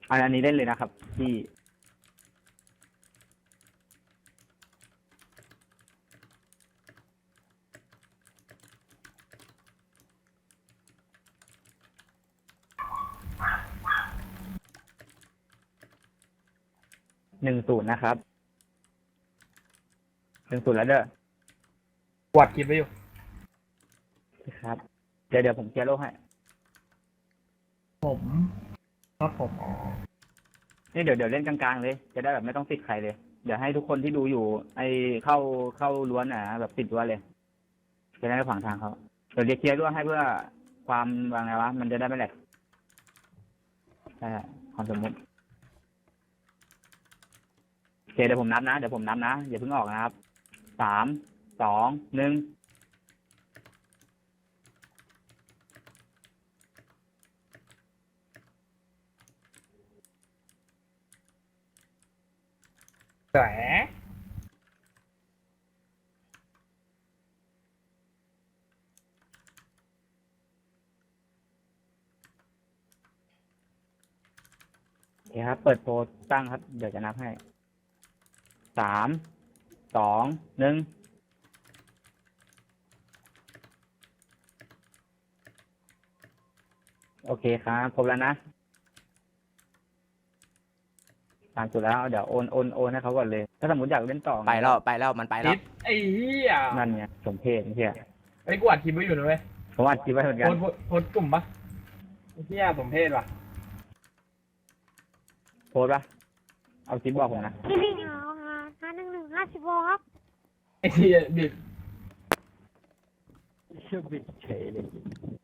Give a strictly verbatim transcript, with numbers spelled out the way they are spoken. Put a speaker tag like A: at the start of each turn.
A: อันอันนี้เล่นเลยนะครับที่หนึ่งศูนย์นะครับหนึ่งศูนย์แล้วเด้อ
B: กวาดคลิปไว้อยู่
A: ครับเดี๋ยวเดี๋ยวผมเคลียร์โลกให้
B: ผมครับผมอ๋อ
A: นี่เดี๋ยวเดี๋ยวเล่นกลางๆเลยจะได้แบบไม่ต้องติดใครเลยเดี๋ยวให้ทุกคนที่ดูอยู่ ไอเข้าเข้าล้วนอ่ะแบบติดล้วนเลยจะได้ไม่ขวางทางเขาเดี๋ยวเดี๋ยวเคลียร์ล้วนให้เพื่อความวางไงวะมันจะได้ไม่แหลกใช่ความสมมติโอเคเดี๋ยวผมนับนะเดี๋ยวผมนับนะอย่าเพิ่งออกนะครับสามสองหนึ่ง
B: แหม
A: โอเคครับเปิดโพสตั้งครับเดี๋ยวจะนับให้สามสองหนึ่งโอเคครับครบแล้วนะตามสุดแล้วเดี๋ยวโอนโอนโอนให้เขาก่อนเลย ถ้าสมมติอยากเล่นต่อ
C: ไปแล้วไปแล้วมันไปแล้
B: ติ
C: ว
B: ดไอ้เหี้ย
A: นั่นไงสมเพศไม่ใช่
B: ไอ้กูอัดคลิปไว้อยู่นะเว้ย
A: ผมอัดคลิปไว้เหมือน
B: โพ
A: กัน
B: สต์โพสต์โพสต์กลุ่มปะไอ้เหี้ยสมเพศว่ะ
A: โพสต์ปะเอาคลิปบอกผมนะ
D: พี่ลิงเอาค่ะห้าหนึ่งหนึ่งห้าสิบโวลต์ครับ
B: ไอ้เหี้ยดิ
A: เชื่อบิดเฉยเลย